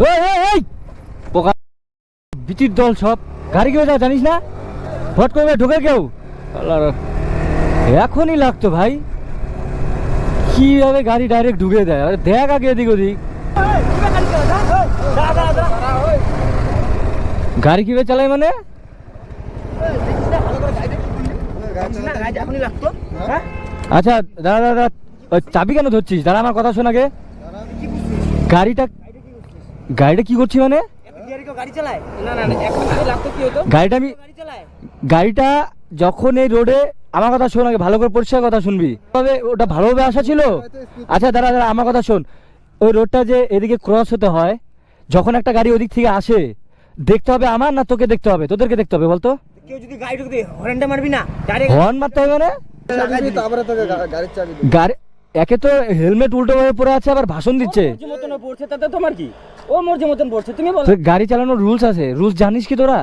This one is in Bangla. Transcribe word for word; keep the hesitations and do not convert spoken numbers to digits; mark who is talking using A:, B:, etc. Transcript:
A: এই এই এই পোকা বিচির দল সব গাড়ি কেউ যা জানিস না ফট করে ঢোকে কেউ আল্লাহর এখনই লাগতো ভাই কিভাবে গাড়ি ডাইরেক্ট ঢুকে দেয় আরে দেখ আগে এদিক ওদিক গাড়ি কিভাবে চালায় মানে আচ্ছা দাদা দাদা চাবি কেন ধরছিস দাদা আমার কথা শোন আগে গাড়িটা গাড়িটা কি করছি মানে গাড়িটা আমি গাড়িটা যখন এই রোডে আমার কথা শোন আগে ভালো করে পরিষ্কার কথা শুনবি তবে ওটা ভালোভাবে আসা ছিল আচ্ছা দাদা দাদা আমার কথা শোন ওই রোডটা যে এদিকে ক্রস হতে হয় যখন একটা গাড়ি ওদিক থেকে আসে দেখতে হবে আমার না তোকে দেখতে হবে তোদেরকে দেখতে হবে বলতো
B: কেউ যদি গাড়ি ঢুকতে হর্নটা মারবি না ডাইরেক্ট
A: হর্ন মারতে হবে মানে
C: তারপরে তোকে গাড়ির চাবি
A: গাড়ি একে তো হেলমেট উল্টো ভাবে পরে আছে আবার ভাষণ দিচ্ছে
B: মর্জি মতন পড়ছে তাতে তোমার কি ও মর্জি মতন পড়ছে তুমি বলো
A: গাড়ি চালানোর রুলস আছে রুলস জানিস কি তোরা